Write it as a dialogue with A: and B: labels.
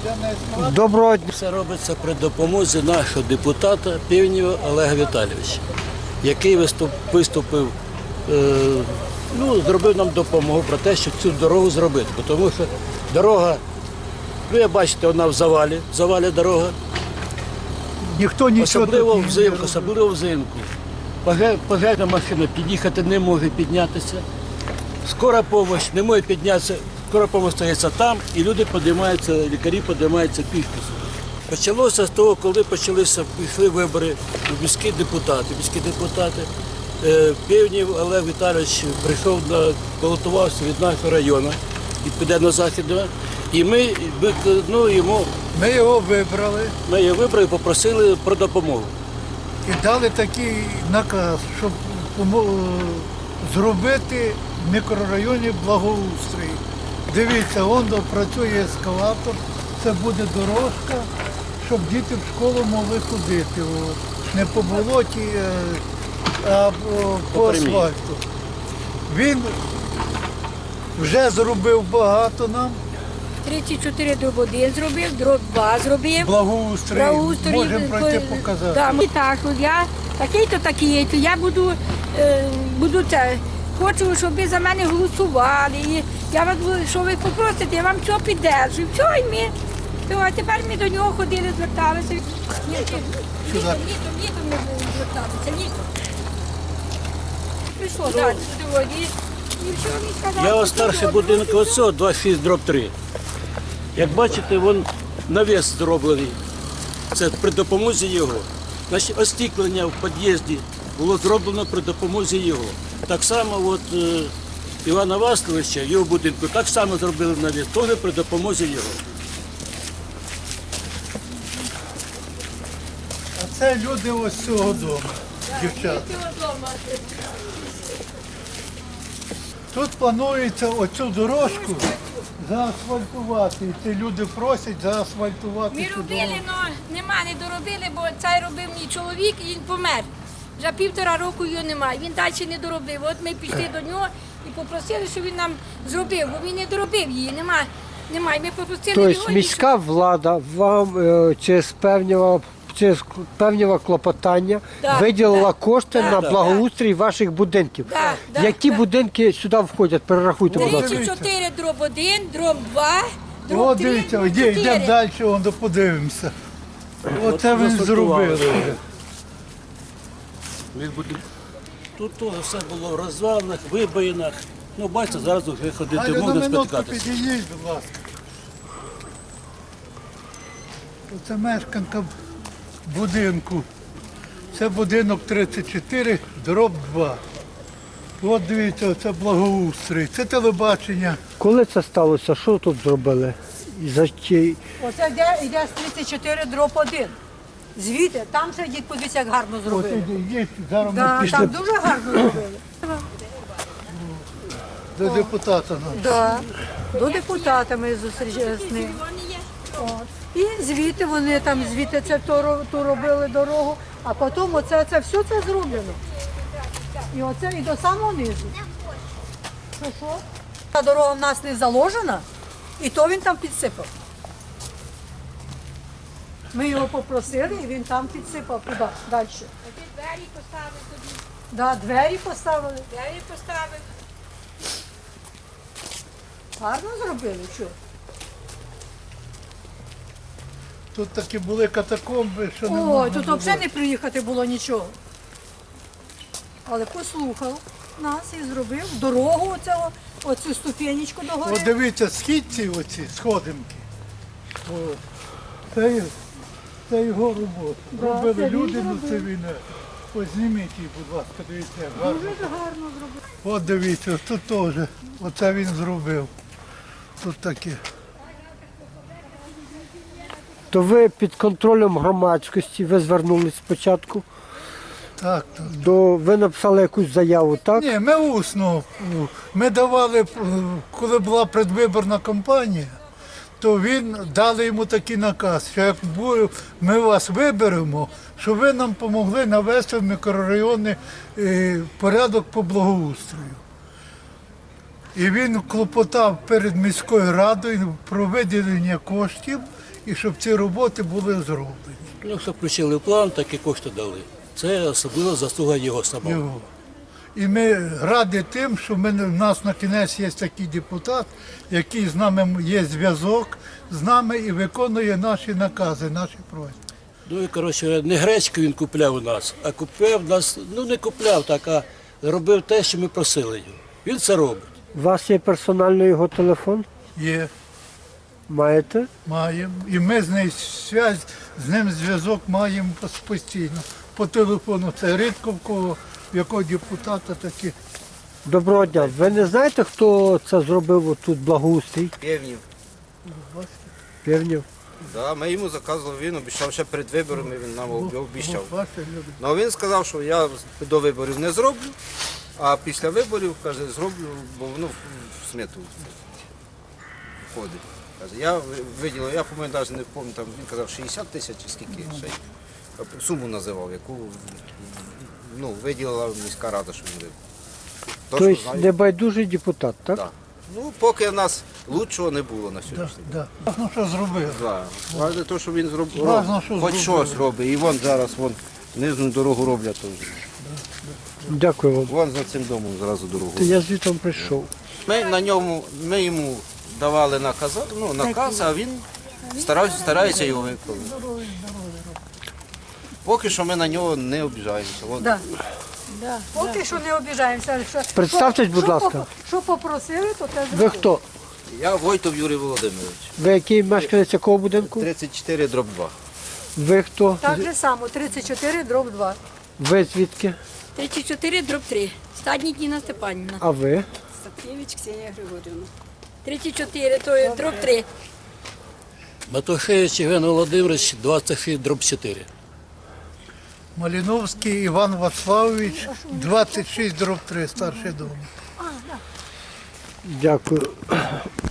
A: Доброго дня.
B: Все робиться при допомозі нашого депутата Півнєва Олега Віталійовича, який виступив, зробив нам допомогу про те, щоб цю дорогу зробити. Тому що дорога, ви бачите, вона в завалі дорога.
A: Ніхто нічого
B: Особливо взимку. Пожежна машина під'їхати не може піднятися. Скора допомога не може піднятися, скора допомога стоїться там, і люди підіймаються, лікарі підіймаються пішки. Почалося з того, коли пішли вибори у міські депутати. Півнів Олег Віталійович прийшов, балотувався від нашого району, від Південно-Західного, і ми
A: його вибрали
B: і попросили про допомогу.
A: і дали такий наказ, щоб зробити в мікрорайоні благоустрій. Дивіться, вон працює ескалатор, це буде дорожка, щоб діти в школу могли ходити. Не по болоті, а по асфальту. Він вже зробив багато нам.
C: 34 дроб 1 зробив, дроб 2 зробив.
A: Благоустрій, можемо пройти показати.
C: Да, так, я такий-то, такий-то, я буду це. Хочу, щоб ви за мене голосували. І я вас, що ви попросите, я вам все піддержу. Все, і ми. А тепер ми до нього ходили, зверталися. Літом ми зверталися, літом. Прийшло, так, сьогодні.
B: Я ось старший будинок оцього 26/3. Як бачите, вон навіс зроблений. Це при допомозі його. Значить, остеклення в під'їзді було зроблено при допомозі його. Так само Івана Васильовича, його будинку, так само зробили навіс, теж при допомозі його.
A: А це люди ось з цього дому, дівчата. Тут планується оцю дорожку заасфальтувати. І ці люди просять заасфальтувати.
C: Ми
A: цю
C: робили,
A: дорогу.
C: але не доробили, бо цей робив мій чоловік і він помер. Вже 1,5 року його немає. Він далі не доробив. От ми пішли до нього і попросили, щоб він нам зробив, бо він не доробив її. Немає. Ми попросили його.
D: Тобто міська влада вам через певні клопотання виділила кошти на благоустрій ваших будинків. Які будинки сюди входять? Перерахуйте, будь ласка.
C: 34 дроб 1, дроб 2, дроб
A: О,
C: 3,
A: дивіться,
C: дроб 4.
A: йдемо далі, подивимося. Оце ви зробили.
B: Тут теж все було в розвалах, вибоїнах. Ну, бачите, зараз вже ходити
A: Галя, на
B: можна
A: минутку
B: спотикатися.
A: підійдіть, будь ласка. Оце мешканка будинку. Це будинок 34, дроб 2. От дивіться, це благоустрій, це телебачення.
D: Коли це сталося? Що тут зробили?
E: Оце йде з 34 дроб 1. Звідти, там сидіть, подивіться, як гарно
A: От
E: зробили.
A: ідіть, зараз ми
E: Да,
A: пішли
E: там дуже гарно зробили.
A: до депутата.
E: Да. До депутата ми зустрічалися з ним. От. І звідти вони там, звідти це ту робили дорогу, а потім оце все це зроблено. І оце і до самого низу. Що? Та дорога в нас не заложена, і то він там підсипав. Ми його попросили, і він там підсипав туди, далі.
C: Двері поставили тобі.
E: Да, двері поставили.
C: Двері поставили.
E: Гарно зробили, що?
A: Тут такі були катакомби, що не
E: Ой,
A: можна
E: тут
A: було.
E: взагалі не приїхати було нічого. Але послухав нас і зробив дорогу оцю ступенечку до гори.
A: От дивіться, східці оці, сходинки. От. Це його робота.
E: Да,
A: Робили
E: це він
A: люди, ну це
E: зробив.
A: він. Ось зніміть її, будь ласка, дивіться, як гарно.
E: Дуже гарно зробив.
A: От дивіться, тут теж. Оце він зробив. Тут таке.
D: То ви під контролем громадськості, ви звернулись спочатку,
A: Так, так.
D: ви написали якусь заяву, так?
A: Ні, ми усно. Ми давали, коли була предвиборна кампанія, то він дали йому такий наказ, що як ми вас виберемо, щоб ви нам допомогли навести в мікрорайони порядок по благоустрою. І він клопотав перед міською радою про виділення коштів і щоб ці роботи були зроблені.
B: Ну, що включили в план, так і кошти дали. Це особливо заслуга його самого.
A: Його. І ми раді тим, що в нас на кінець є такий депутат, який з нами є зв'язок з нами і виконує наші накази, наші просьби.
B: Ну і, коротше, не гречку він купляв у нас, а купляв нас, ну не купляв так, а робив те, що ми просили його. Він це робить.
D: У вас є персональний його телефон?
A: Є,
D: Маєте?
A: маємо. І ми з ним зв'язок маємо постійно. По телефону це рідко в кого, в якого депутата такі.
D: Доброго дня. Ви не знаєте, хто це зробив отут благоустрій?
F: Півнів.
D: Півнів.
F: Да, ми йому заказували, він обіцяв ще перед виборами, він нам обіцяв.
A: Бачите, люди.
F: Ну він сказав, що я до виборів не зроблю, а після виборів, каже, зроблю, бо воно в смету входить. Каже, я виділив, я по-моєму навіть не пам'ятаю, там він казав 60 тисяч чи скільки ще й суму називав, яку виділила міська рада, що він вибрав.
D: Тобто небайдужий депутат, так?
F: Так. Ну, поки в нас лучшого не було на
A: Да,
F: сьогоднішній день.
A: да. Важно, що зробив.
F: Да. Важне те, що він зробив,
A: Важно, що
F: хоч
A: зробив.
F: щось робить. І вон зараз нижню дорогу роблять теж.
D: Дякую вам.
F: Вон за цим домом зразу дорогу.
D: Я звідти прийшов.
F: Ми йому давали наказ, а він старається його виконувати. Поки що ми на нього не обіжаємося. Вон.
E: Да. Поки що не обіжаємося.
D: Представтесь, будь ласка.
E: Що попросили, то те
D: Ви
E: зробили.
D: хто?
F: Я Войтов Юрій Володимирович,
D: Ви який мешканець якого будинку?
F: 34/2.
D: Ви хто?
E: Так же само, 34/2.
D: Ви звідки?
C: 34/3. Стадник Ніна Степанівна.
D: А ви?
C: Сапкевич Ксенія Григорівна. 34, то є дроб 3.
B: Матушевич Євген Володимирович, 26/4.
A: Маліновський Іван Вацлавович, 26/3, старший дом.
D: Дякую.